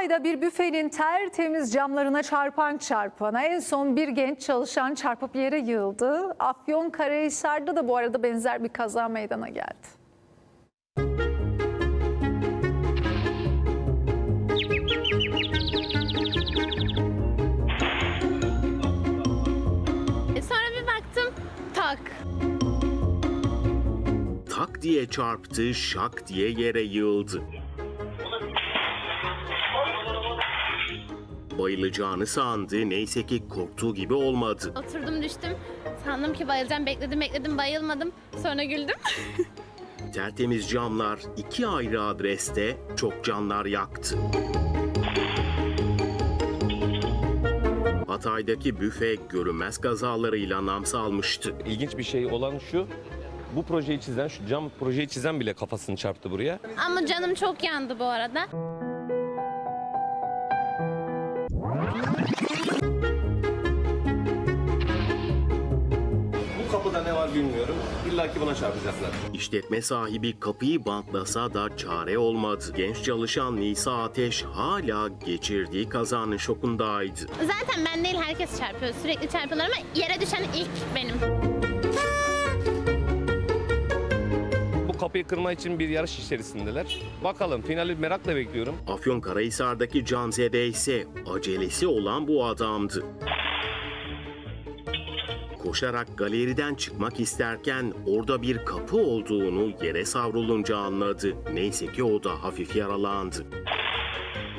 Hatay'da bir büfenin tertemiz camlarına çarpana en son bir genç çalışan çarpıp yere yığıldı. Afyonkarahisar'da da bu arada benzer bir kaza meydana geldi. Sonra bir baktım, tak. Tak diye çarptı, şak diye yere yığıldı. Bayılacağını sandı, neyse ki korktuğu gibi olmadı. Oturdum düştüm. Sandım ki bayılacağım. Bekledim bayılmadım. Sonra güldüm. Tertemiz camlar 2 ayrı adreste çok canlar yaktı. Hatay'daki büfe görünmez kazalarıyla nam salmıştı. İlginç bir şey olan şu, bu projeyi çizen, şu cam projeyi çizen bile kafasını çarptı buraya. Ama canım çok yandı bu arada. Bu kapıda ne var bilmiyorum. İlla ki buna çarpacaklar. İşletme sahibi kapıyı bantlasa da çare olmadı. Genç çalışan Nisa Ateş hala geçirdiği kazanın şokundaydı. Zaten ben değil, herkes çarpıyor. Sürekli çarpıyorlar ama yere düşen ilk benim. Bu kapıyı kırma için bir yarış içerisindeler. Bakalım, finali merakla bekliyorum. Afyonkarahisar'daki Canzede ise acelesi olan bu adamdı. Koşarak galeriden çıkmak isterken orada bir kapı olduğunu yere savrulunca anladı. Neyse ki o da hafif yaralandı.